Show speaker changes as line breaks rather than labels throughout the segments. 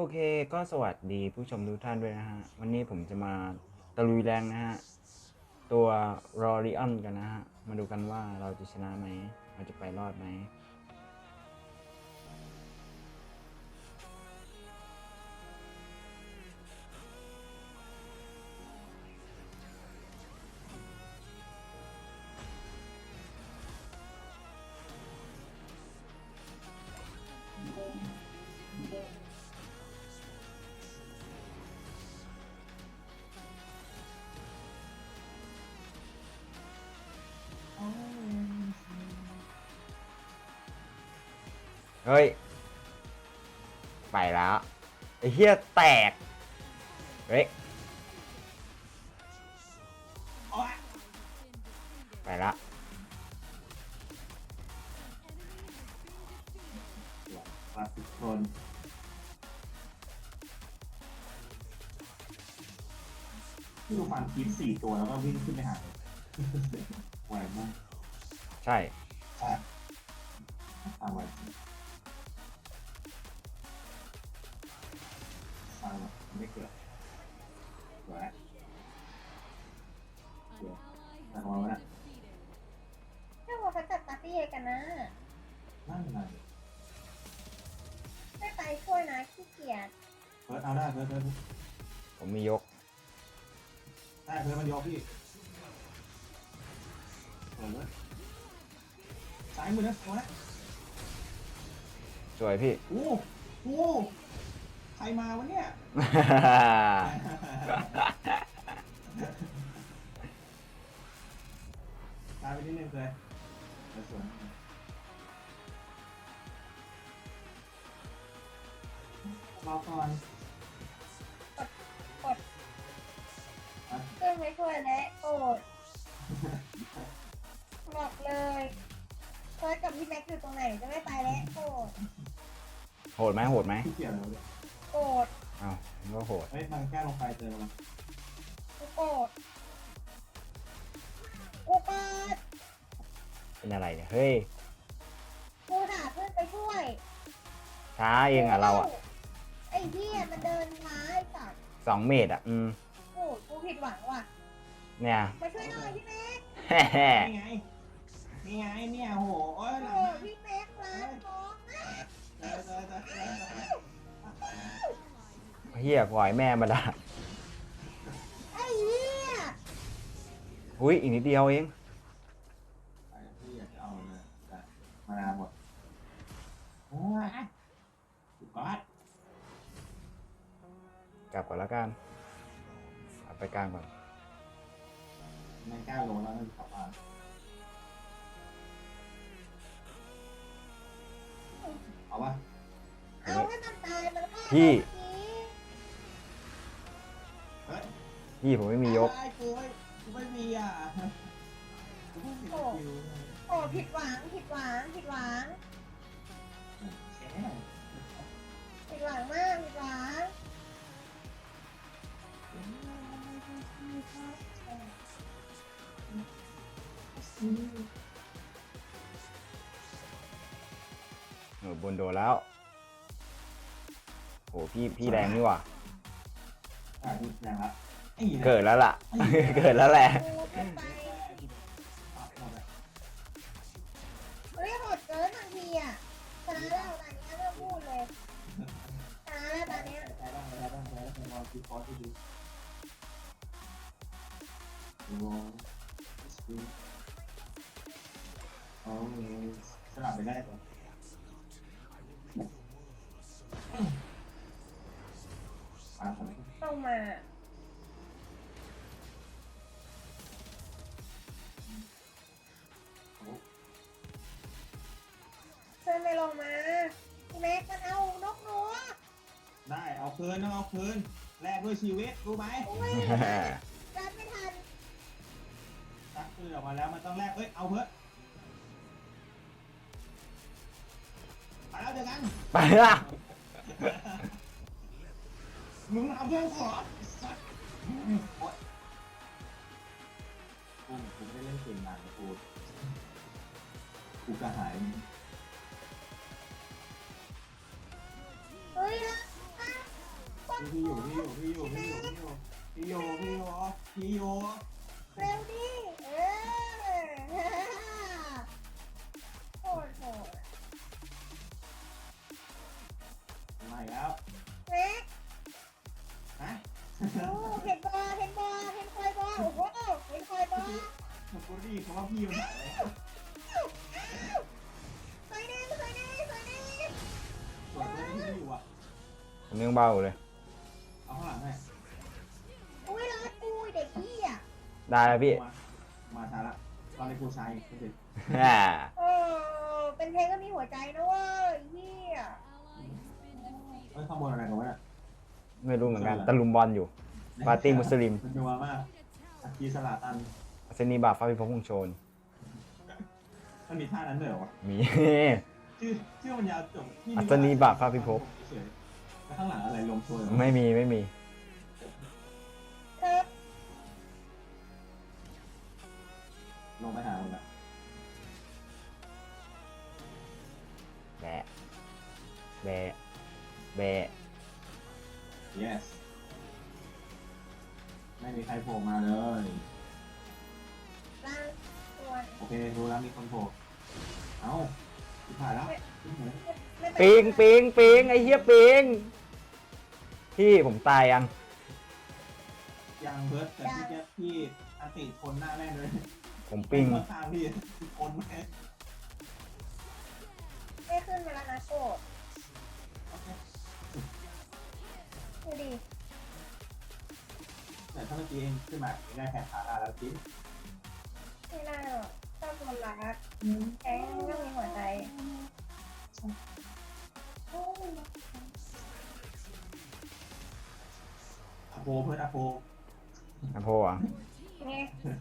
เคก็สวัสดีผู้ชมทุกท่านด้วยนะฮะวันนี้ผมจะมาตะลุยแรงนะฮะตัวรอริออนกันนะฮะมาดูกันว่าเราจะชนะไหมเราจะไปรอดไหมเฮ้ยไปแล้วไอ้เหี้ยแตกเฮ้ยไปละ
ปาสิคนที่ดูฟันคิด4 ตัวแล้วก็วิ่งขึ้นไปหาเลยไหวมาก
ใช่
ตามไหวตามแบบไม่เกิดสวยสวยแต่ของเราเนี่ย
ถ้าเราจะจัดปาร์ตี้กันนะ
นั่นไง
ไม่ไปช่วยนะขี้เกียจ
เพิร์ดเอาได้เพิร์ด
ผมมียก
ได้เพิร์ดมันยกพี่เปิดเลยสายมือนะเอาละ
สวยพี่
โอ้โหใครมาวะเนี่ยตายไปนิดนึงเลยสวยรอก่อน
กดเครื่องไม่ช่วยและโกรธบอกเลยเพิร์ดกับพี่แม็กซ์อยู่ตรงไหนจะไม่ไปแล้วโกรธ
โหดไหมโหดไหม
ขี้เกียจแล้วเนี่ย
โกรธ
อ้าวมันก็โหด
เฮ้ยมันแก้ลงไปเจอมัน
กูโกรธกูโกรธ
เป็นอะไรเนี่ยเฮ้ย
กูหาเพื่อนไปช่วย
ช้าเองอ่ะเราอ่ะ
ไอ้เหี้ยมันเดินช้าไอ้สัตว์
2 เมตรอ่ะ
โอ้กูผิดหวังว่ะ
เนี่ย
มาช่วยหน่อยพี่แม็กซ์
นี่ไงนี่ไงเนี่ยโหโอ้ยหลัง
โอ้
นะ
พี่แม็กซ์ร้านน้องนะ
เจอ
เฮียปล่อยแม่มาละ
ไอ้เหี้ย
อุ้ยอีกนิดเดียวเอง
ไอ้ที่อยากจะเอาเลยแต่มานาหมดโอ้ยสุดยอด
กลับก่อนแล้วกันเอาไปกลางก่อน
ไม่กล้าลงแล้วนั่นกลับมาเอาปะ
เอาให้มันตายมันก็
พี่
เฮ้ย
พี่ผมไม่มียก
กูไม่มีอ่ะกูไม่มีคิว
โอ้ผิดหวังผิดหวังผิดหวัง
แช่
ผิดหวังมากผิดหวัง
บนโดนแล้วโหพี่แรงนี่หว่า
อ่ะดูแรงละ
เกิดแล้วล่ะ เกิดแล้วแหละ
กูขึ้นไปเฮ้ยโหดเกินบางทีอ่ะชนะแล้วตอนนี้ไม่พูดเลยชนะแล้วตอนนี้
ใช้บ้างใช้บ้างใช้บ้างลองคิดคอร์สดูโอ้โอ้สลับไปได้ก่อน
ต้องมาเพื่อนไม่ลงมาพี่แม็กมันเอานกหนู
ได้เอาคืนต้องเอาคืนแลกด้วยชีวิตรู้ไหม
อุ้ยรัดไม่ทัน
ตักคืนออกมาแล้วมันต้องแลกเอ้ยเอาเพื่อไปแล้วเจอกัน
ไปละ
มึงเอาเพื่อนขอกูไม่ได้เล่นเกมนานนะกูกระหาย
เฮ้ย
พี่อยู่พี่อยู่พี่อยู่พี่อยู่พี่อยู่พี่อยู่พี่อยู่
เร็วดิโหดโหด
มาอีกแล้ว
แม็ก
ฮะ
โอ้เห็นบอลเห็นบอลเห็นคอยบอลโอ้โหเห็นคอยบอล
กูรีบเพราะว่าพี่มันหายเลย
คอยแน่คอยแน่คอยแน่
ส่วนตัวที่พี่อยู่อ่ะ
ผมยังเบาอยู่เลย
เอาข้างหลังให้
อุ้ยรอดกูเด็กพี่อ่ะ
ได้แล้วพี่
มาช้าละตอนในกูชายไม่เสร็จ
เออเป็นเพลงก็มีหัวใจนะเว้ยพี่อ่ะ
เอ้ยข้อมูลอะไรกันวะเนี่ย
ไม่รู้เหมือนกันตะลุมบอลอยู่ ปาร์ตี้มุสลิม
มันจะว่ามากอากีสลาตัน
เซนีบาฟ้าพิภพคงโชน
มันมีท่านั้นด้วยเหรอวะ
มี
ชื่อมันยาวจบที่
อัศนีบาฟ้าพิภพ
เฉยแล้วข้างหลังอะไรลมโชยเหรอ
ไม่มีไม่มี
ครับ
ลงไปหามันละ
แบะแบะแบะ
yes ไม่มีใครโผล่มาเลย
ร่างตัว
โอเครู้แล้วมีคนโผล่เอ้าที่ผ่านแล้ว
ไม่เป็น
ปิงปิงปิงไอ้เหี้ยปิงพี่ผมตายยัง
ยังเบิร์ดแต่พี่แจ๊คพี่อันติชนหน้าแม่เลย
ผมปิง
ข้างพี่คนแม่
ไม่ขึ้นมาแล้วนะโกด
โอเค
ดูดิ
แต่ถ้าเมื่อกี้เองขึ้นมาไม่ได้แขนขาได้แล้วจิ๊บ
ไม่น่าหรอกชอบคนรักแก๊งก็มีหัวใจ
อโปเพื่อนอโป
อะโพอ่ะ
ไง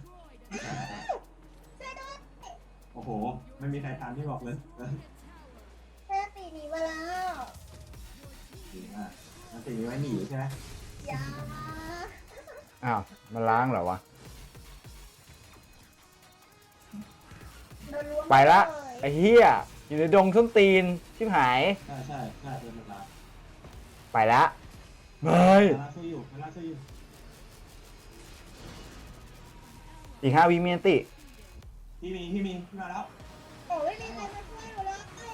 ช่วยด้วย
โอ้โหไม่มีใครทันที่บอกเลย
เพื่อนตีหนีมาแล้ว
ดีมากมันติดไว้หนีใช่ไหม
อย่า
อ้าวมันล้างเหรอวะ
โดนล้วง
ไปละ
เย
ไอ้เหี้ยอยู่ในดงส้นตีนชิบหาย
ใช่ใช่ใช่เป็นเวลา
ไปละเฮ้ย
เวลาช่วยอยู่เวลาช่วยอยู่
อีก5 วิเมียนติ
พี่มีพี่มาแล้ว
โอ้ยมีใครมาช่วยหนูเลย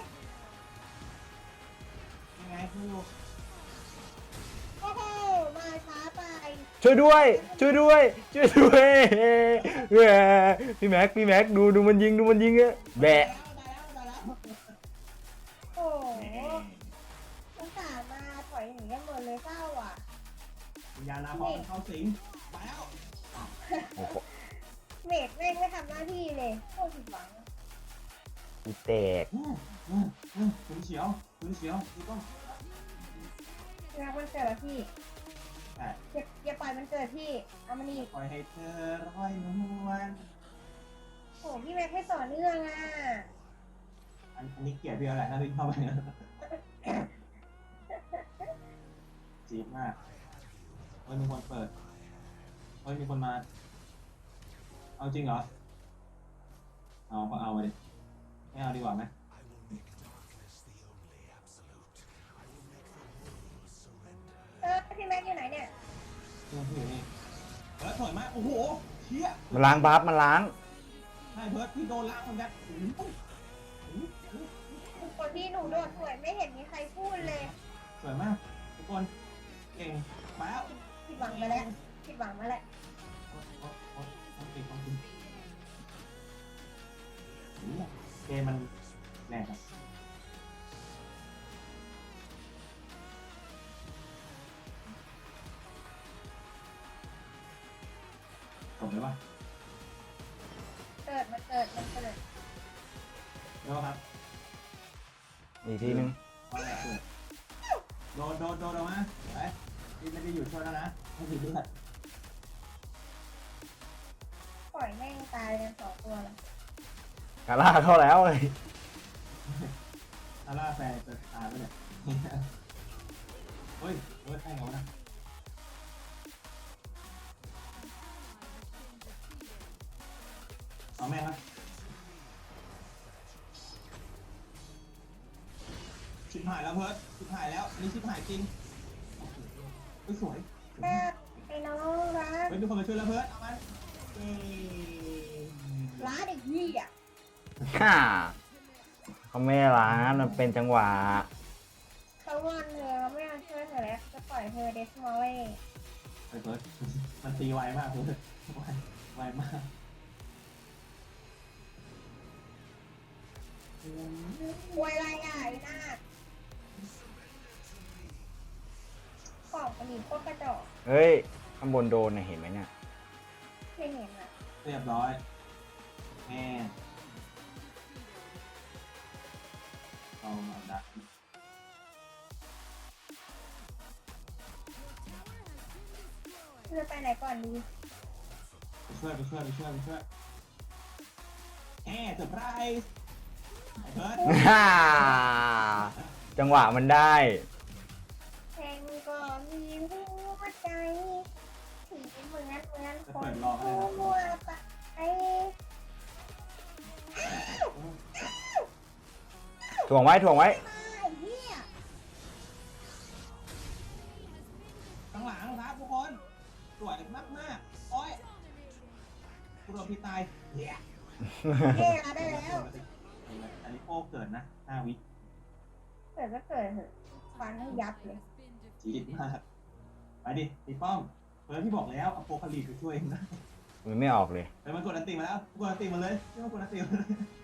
ยังไงช่วยอยู่
โอ้โหมาช้าไป
ช่วยด้วย ช่วยด้วย ช่วยด้วยแหมพี่แม็กดูมันยิงอะแบะ
ได้แล้ว
โอ้โหสงสารมาถอยหนีกันหมดเลยเศร้าอ่ะ
วิญญาณนาพรเข้าสิงไปแล้ว
โอ้โห
เมดแม่งไม่ทำหน้าที่เลยโคตรผิดหวัง
กูแตก
คุณเฉียวนี่ต้อง
นะมันเกิดแล้วพี่
ใช่
อย่าปล่อยมันเกิดพี่เอามันอีก
ปล่อยให้เธอร้อยนวล
โหพี่แม็กไม่ต่อเนื่องอ่ะ
อันนี้เกลียดพี่อะไรถ้าพี่เข้าไปจี๊ดมากเฮ้ยมีคนเปิดเฮ้ยมีคนมา เอาจริงเหรอ เอาก็เอาไปดิไม่เอาดีกว่าไหม
พี่แม็กอยู่ไหนเนี่ย
เพื่อนพี่อยู่นี่เพิร์ดถอยมาโอ้โหเชี่ย
มันล้างบัฟมันล้าง
ใช่เพิร์ดพี่โดนล้างเหมือนกัน
คนที่หนูโดดสวยไม่เห็นมีใครพูดเลย
สวยมากทุกคนเก่งมาแล้ว
ผิดหวังไปแล้วผิดหวังมาแล้ว
ต้องติดเกมมันแรงครับจบเลยป่ะ
มันเกิด
แล้วครับ
อีกทีนึง
ว่าอะไรเกิดโดนออกมาไปพี่ไม่ได้อยู่ช่วยแล้วนะให้พี่เลือด
ปล่อยแม่งตายกัน2 ตัวแล้ว
กาล่าเข้าแล้วเลย
อาร่าแฟร์จะตายไปเนี่ยเฮ้ยใช่เหรอนะเอาแม่งนะชิบหายแล้วเพิร์ดชิบหายแล้วอันนี้ชิบหายจริงสวย
แม่ไอ้น้องรัก
เฮ้ยมีคนมาช่วยแล้วเพิร์ดเอามันเย้
ร้านเด็กยี่อ่ะ
ฮ่าเขาไม่ร้านมันเป็นจังหวะ
เขางอนเธอไม่เอาช่วยเธอแล้วจะปล่อยเธอเดสมอลเล่
ไอ้เพิร์ดมันตีไวมากเพิร์ดไวมาก
ควยลายใหญ่หน้าของกระดิ่งโคตรกระจอก
เฮ้ย ข้างบนโดนนะเห็นไหมเนี่ย
ไม่เห็นอ่ะ
เรียบร้อยแม่เอามาดัก
เธอไปไหนก่อนดี
ไปช่วยแเซอร์ไพรส์ไอ้เพิร์ด
ฮ่าจังหวะมันได้
เพลงก็มีหัวใจสีเหมือนคนทั่วไป
ถ่วงไว้ ถ่วงไว้
ไอ้เหี้ย
ข้างหลังครับทุกคนสวยมากโอ้ยกูโดนพี่ตายเย้
เย่ละได้แล้ว
อันนี้โอ้เกิดนะ5 วิ
เกิดก็เกิดเถอะฟันให้ยับเลย
จี๊ดมากไปดิตีป้อมเพิร์ดพี่บอกแล้วอโปคาลิปไปช่วยเองนะ
มันไม่ออกเลย
ไปมันกดอันติมาแล้วกดอันติมาเลยพี่มันกดอันติมาเลย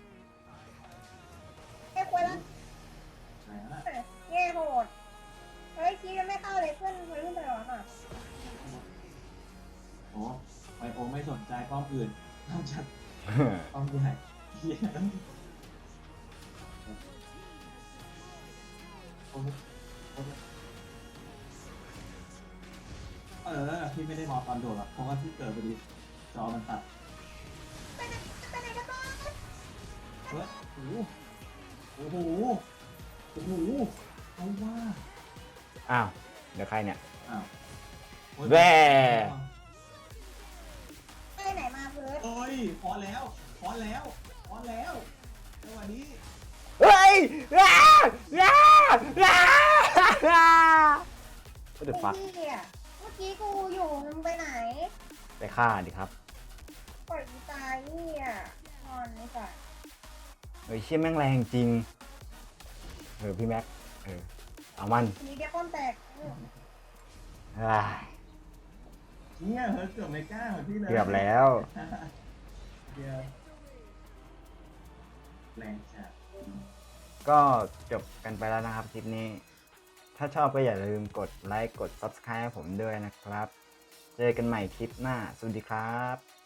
เอ้ยควยละ
ไหนนะ
เย่โหดเฮ้ยคียังไม่เข้าเลยเพื่อนเพิ่งไปหรอค่ะ
โอ้ไบโอไม่สนใจป้อมอื่นนอกจากป้อมใหญ่เหี้ยโอ้โหพี่ไม่ได้มองตอนโดดหรอกเพราะว่าที่เกิดพอดีจอมันตัด
ไปไหนกันบ้าง
เฮ้ยโอ้โหเอาว่า
อ้าว เดี๋ยวใครเนี่ย
อ้าว
แว่
ไปไหนมาเพิร์ด
โอ้ยพอแล้วสวัสดี
เฮ้ยอ้าอ้าอ้าอ้าก็เดือดฟัก
ไอ้เหี้ยเมื่อกี้กูอยู่มึงไปไหน
ไปฆ่าดิครับ
ปล่อยกูตายเหี้ยนอนไอ้สัส
เฮ้ยเชี่ยแม่งแรงจริง พี่แม็ก เอามัน
ทีนี้เดี๋ยวป้อมแตก
อ้าย
เนี่ยเฮ้ยเกือบไม่กล้าเหมือนพี่เลย
เกือบแล้ว
เดี๋ยวแรงจัด
ก็จบกันไปแล้วนะครับคลิปนี้ ถ้าชอบก็อย่าลืมกดไลค์ กด Subscribe ให้ผมด้วยนะครับ เจอกันใหม่คลิปหน้า สวัสดีครับ